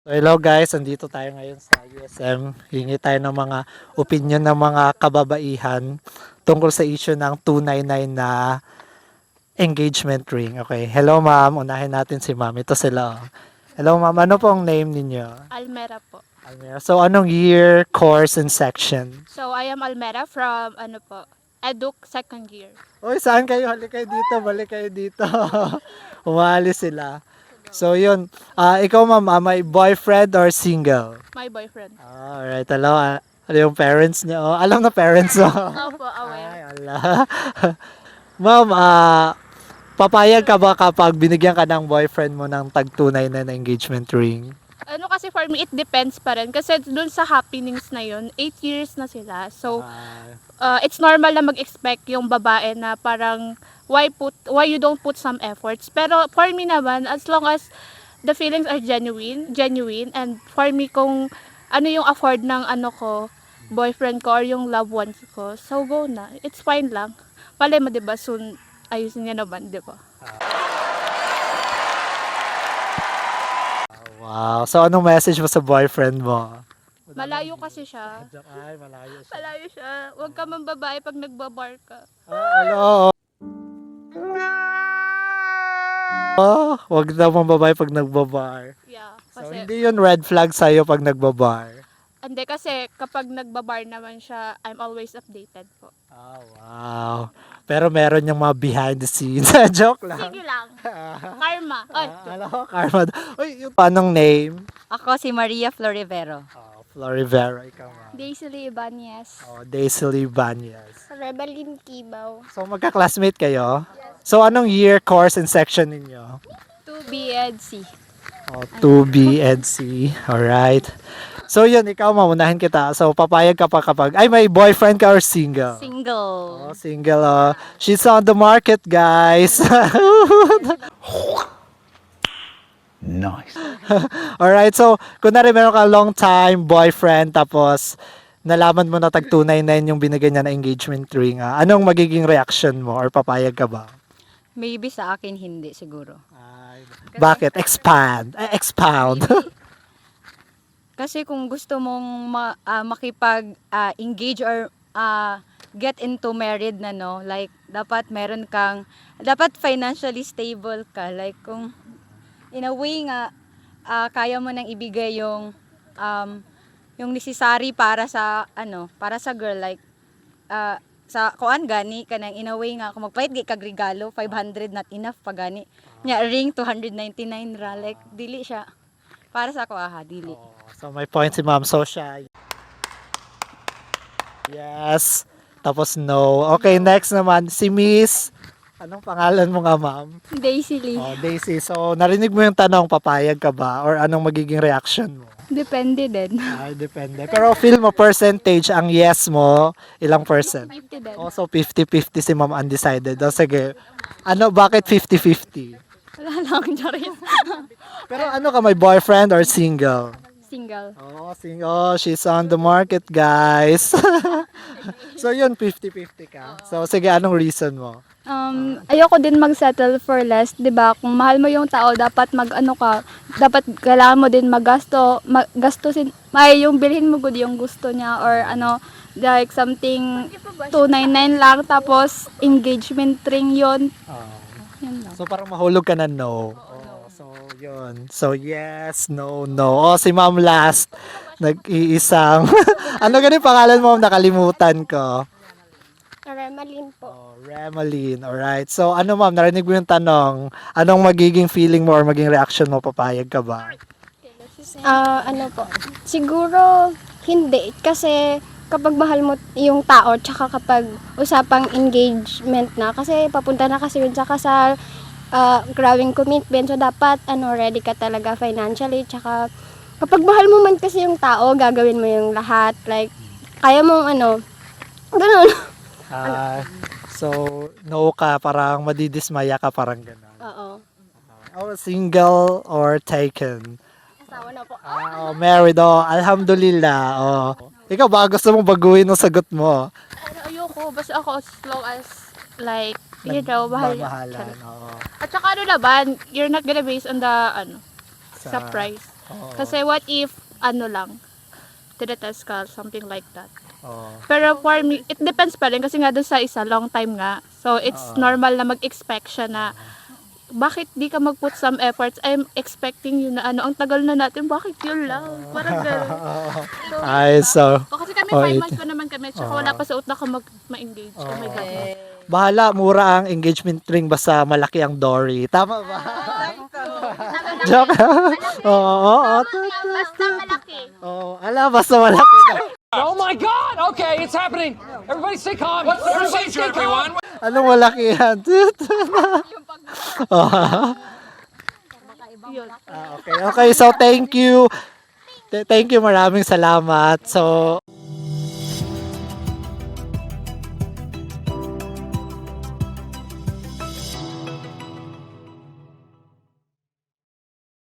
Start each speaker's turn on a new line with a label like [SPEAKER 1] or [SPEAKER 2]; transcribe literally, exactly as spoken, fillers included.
[SPEAKER 1] Hello guys, andito tayo ngayon sa U S M. Hingi tayo ng mga opinion ng mga kababaihan tungkol sa issue ng two ninety-nine na engagement ring. Okay, hello ma'am, unahin natin si ma'am. Ito sila. oh. Hello ma'am, ano pong name ninyo?
[SPEAKER 2] Almera po.
[SPEAKER 1] Almira. So anong year, course, and section?
[SPEAKER 2] So, I am Almera from, ano po, Eduk second year.
[SPEAKER 1] Uy, saan kayo? Halik kayo dito, balik kayo dito. Umalis sila. So yun, ah ikaw ma'am, ah, may boyfriend or single?
[SPEAKER 2] My boyfriend.
[SPEAKER 1] Ah, alright, hello. ah, Ano yung parents niyo? Oh, alam na parents mo.
[SPEAKER 2] Opo, aware.
[SPEAKER 1] Ay, ala. Ma'am, ah, papayag ka ba kapag binigyan ka ng boyfriend mo ng tag-tunay na engagement ring?
[SPEAKER 2] Ano kasi for me, it depends pa rin. Kasi dun sa happenings na yun, eight years na sila. So,
[SPEAKER 1] Ah,
[SPEAKER 2] uh, it's normal na mag-expect yung babae na parang, why put why you don't put some efforts. Pero for me naman, as long as the feelings are genuine, genuine, and for me kung ano yung afford ng ano ko, boyfriend ko or yung loved ones ko, so go na. It's fine lang. Palay mo, 'di ba? Soon ayusin niya naman, 'di ba?
[SPEAKER 1] wow. So anong message mo sa boyfriend mo?
[SPEAKER 2] Malayo kasi siya.
[SPEAKER 1] Ay, malayo siya.
[SPEAKER 2] Malayo siya. Huwag ka man babae pag nagbabar ka.
[SPEAKER 1] Ah, hello. Oh, wag daw mong babae pag nagbabar.
[SPEAKER 2] Yeah.
[SPEAKER 1] So,
[SPEAKER 2] Kasi,
[SPEAKER 1] hindi yun red flag sa'yo pag nagbabar.
[SPEAKER 2] hindi kasi kapag nagbabar naman siya, I'm always updated po.
[SPEAKER 1] Oh, wow. Pero meron yung mga behind the scenes. Joke lang.
[SPEAKER 2] Sige lang. Karma. Ay,
[SPEAKER 1] Ah, alam ko, Karma. Uy, yung paanong name?
[SPEAKER 3] Ako si Maria Florivero.
[SPEAKER 1] Oh, Florivera, ikaw nga.
[SPEAKER 4] Daisy Ibanez.
[SPEAKER 1] Oh, Daisy Banyas.
[SPEAKER 4] Rebelin Kibaw.
[SPEAKER 1] So, magka-classmate kayo? So, anong year, course, and section ninyo?
[SPEAKER 4] two B Ed C.
[SPEAKER 1] Oh, two B and C. Alright. So, yun, ikaw maunahin kita. So, papayag ka pa kapag, ay, may boyfriend ka or single?
[SPEAKER 3] Single.
[SPEAKER 1] Oh, single. Oh. She's on the market, guys.
[SPEAKER 5] Nice.
[SPEAKER 1] Alright, so, kunwari meron ka long time boyfriend, tapos, nalaman mo na tag two ninety-nine yung binigay niya na engagement ring, ah, anong magiging reaction mo or papayag ka ba?
[SPEAKER 3] Maybe sa akin hindi siguro.
[SPEAKER 1] Ay, bakit? Expand. Eh, expound.
[SPEAKER 3] Kasi kung gusto mong ma- ah, makipag-engage or ah, get into married na no, like dapat meron kang, dapat financially stable ka. Like kung in a way nga, ah, kaya mo nang ibigay yung um, yung necessary para sa ano, para sa girl, like ah, sa kuan gani kanang in a way nga kung magpahit gi kag regalo five hundred not enough pa gani nya ring two ninety-nine ra, like dili siya para sa ako aha dili.
[SPEAKER 1] Oh, so, may point si ma'am. So, siya. Yes. Tapos, no. Okay, next naman. Si Miss. Anong pangalan mo nga, ma'am?
[SPEAKER 4] Daisy Lee.
[SPEAKER 1] Oh, Daisy. So, narinig mo yung tanong, papayag ka ba? Or anong magiging reaction mo?
[SPEAKER 4] Depende din.
[SPEAKER 1] Ay, depende. Pero feel mo percentage, ang yes mo, ilang percent?
[SPEAKER 4] fifty din.
[SPEAKER 1] Also, fifty-fifty si ma'am undecided. O, sige. Ano, bakit fifty-fifty?
[SPEAKER 4] Wala lang, Charis.
[SPEAKER 1] Pero ano ka, may boyfriend or single?
[SPEAKER 4] Single.
[SPEAKER 1] Oh, sing oh, she's on the market, guys. So yun, fifty-fifty ka. So sige, anong reason mo?
[SPEAKER 4] Um, ayoko din mag-settle for less, 'di ba? Kung mahal mo yung tao, dapat mag-ano ka, dapat kailangan mo din magasto, magastusin, may yung bilhin mo good yung gusto niya or ano, like something two ninety-nine lang tapos engagement ring 'yon.
[SPEAKER 1] Oh.
[SPEAKER 4] Yun lang.
[SPEAKER 1] So parang mahulog ka na no. Oh, so yun. So yes, no, no. Oh, si ma'am last. Nag-iisang. Ano ganun pangalan mo? Nakalimutan ko.
[SPEAKER 4] Remalin po.
[SPEAKER 1] Oh, Remeline. Alright. So ano ma'am, narinig mo yung tanong. Anong magiging feeling mo or magiging reaction mo? Papayag ka ba?
[SPEAKER 6] Ah, ano po? Siguro hindi kasi kapag mahal mo yung tao tsaka kapag usapang engagement na kasi papunta na kasi yun sa kasal, ah, growing commitment, so dapat ano ready ka talaga financially tsaka kapag mahal mo man kasi yung tao gagawin mo yung lahat, like kaya mong ano ganun.
[SPEAKER 1] Ah, so no ka, parang madidismaya ka, parang gano'n.
[SPEAKER 6] Oo.
[SPEAKER 1] Oh, single or taken?
[SPEAKER 6] Asawa na po.
[SPEAKER 1] Ah, oh, married. Oh, alhamdulillah. Oh. Ikaw ba gusto mong baguhin ang sagot mo?
[SPEAKER 2] Pero ayoko. Basta ako as long as, like, you know, mahal.
[SPEAKER 1] Mamahalan. Oo.
[SPEAKER 2] At saka ano naman, you're not gonna base on the, ano, sa
[SPEAKER 1] Sa-
[SPEAKER 2] price.
[SPEAKER 1] Oo.
[SPEAKER 2] Kasi what if, ano lang, tinetest ka, something like that.
[SPEAKER 1] Oo.
[SPEAKER 2] Pero for me, it depends pa rin kasi nga doon sa isa, long time nga. So, it's
[SPEAKER 1] Oo.
[SPEAKER 2] normal na mag-expect siya na, bakit di ka mag-put some efforts? I'm expecting you na ano, ang tagal na natin, bakit yun lang? Parang gano'n. So,
[SPEAKER 1] Ay, so,
[SPEAKER 2] O, kasi kami
[SPEAKER 1] Oh,
[SPEAKER 2] five
[SPEAKER 1] it-
[SPEAKER 2] months pa naman kami, tsaka
[SPEAKER 1] Oo.
[SPEAKER 2] wala pa sa utak ko mag, ma-engage. Oh my God.
[SPEAKER 1] bahala, mura ang engagement ring basta malaki ang dory. Tama ba? Joke. Oo, oo, oo.
[SPEAKER 2] Basta malaki.
[SPEAKER 1] Oo, ala, basta malaki daw.
[SPEAKER 7] Oh my God! Okay, it's happening. Everybody stay calm. What's the procedure, everyone?
[SPEAKER 1] Anong malaki yan? Oo.
[SPEAKER 2] Yun.
[SPEAKER 1] Ah, okay, okay. So, thank you. Th- Thank you. Maraming salamat. So,